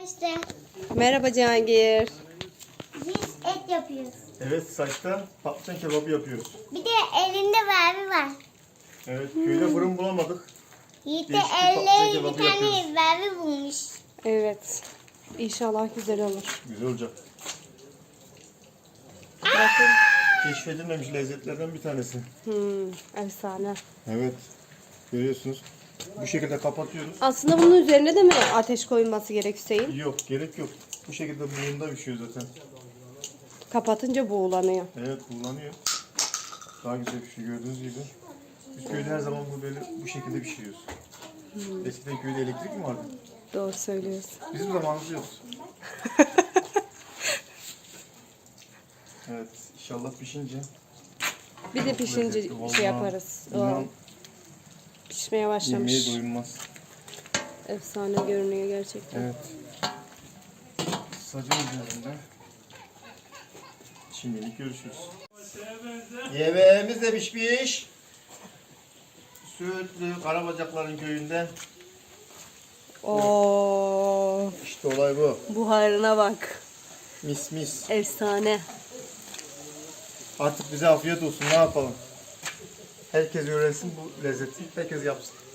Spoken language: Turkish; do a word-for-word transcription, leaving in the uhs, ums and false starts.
arkadaşlar. Merhaba Cihangir. Biz et yapıyoruz. Evet, saçta patlıcan kebabı yapıyoruz. Bir de elinde vervi var. Evet, köyde fırın bulamadık. Yiğit de Değişik bir patlıcan elle bir kebabı tane yapıyoruz. vervi bulmuş. Evet. İnşallah güzel olur. Güzel olacak. Bakın. Keşfedilmemiş lezzetlerden bir tanesi. Hmm, efsane. Evet, görüyorsunuz. Bu şekilde kapatıyoruz. Aslında bunun üzerine de mi ateş koyulması gerek Hüseyin? Yok, gerek yok. Bu şekilde buğunda pişiyor zaten. Kapatınca buğulanıyor. Evet, kullanıyor. Daha güzel pişiyor gördüğünüz gibi. Biz köyde her zaman bu böyle bu şekilde pişiriyoruz. Hmm. Eskiden köyde elektrik mi vardı? Doğru söylüyorsun. Bizim zamanımızda yok. Evet, inşallah pişince. Bir de çok pişince lezzetli, vallahi. şey yaparız. O, İnan, pişmeye başlamış. yemeğe doyulmaz. Efsane görünüyor gerçekten. Evet. Sacın üzerinde. Şimdilik görüşürüz. Yemeğimiz de pişmiş. Söğütlü Karabacakların köyünden. Oo, İşte olay bu. buharına bak. Mis mis. Efsane. Artık bize afiyet olsun, ne yapalım. Herkes öğrensin bu lezzeti. Herkes yapsın.